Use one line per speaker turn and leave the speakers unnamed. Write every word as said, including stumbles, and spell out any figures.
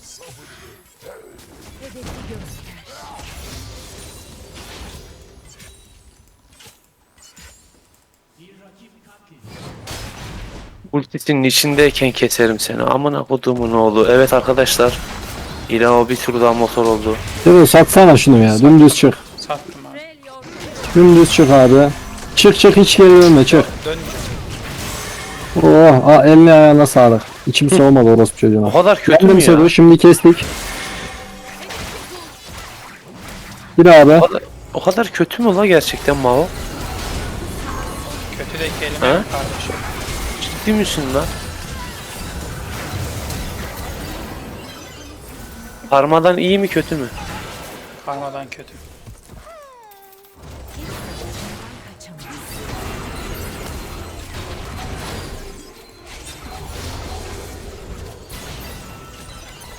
Hedefi göster.
Ultisinin içindeyken keserim seni. Amına kodumun oğlu. Evet arkadaşlar. İlhan bir tur daha motor oldu.
Sero satsana şunu ya. Dümdüz çık.
Sattım abi.
Freljord
Dümdüz çık abi. Çık çık hiç geri dönme çık.
Dönmeyeceğim.
Oh, aa, eline ayağına sağlık. İçim soğumadı orospu çocuğuna.
O kadar kötü
Kendim
mü ya?
Sero şimdi kestik. Bir abi.
O kadar, o kadar kötü mü la gerçekten Mao?
Kötü de kelime
Ha?
yok kardeşim.
Ciddi misin lan? Parmadan iyi mi kötü mü?
Karmadan kötü.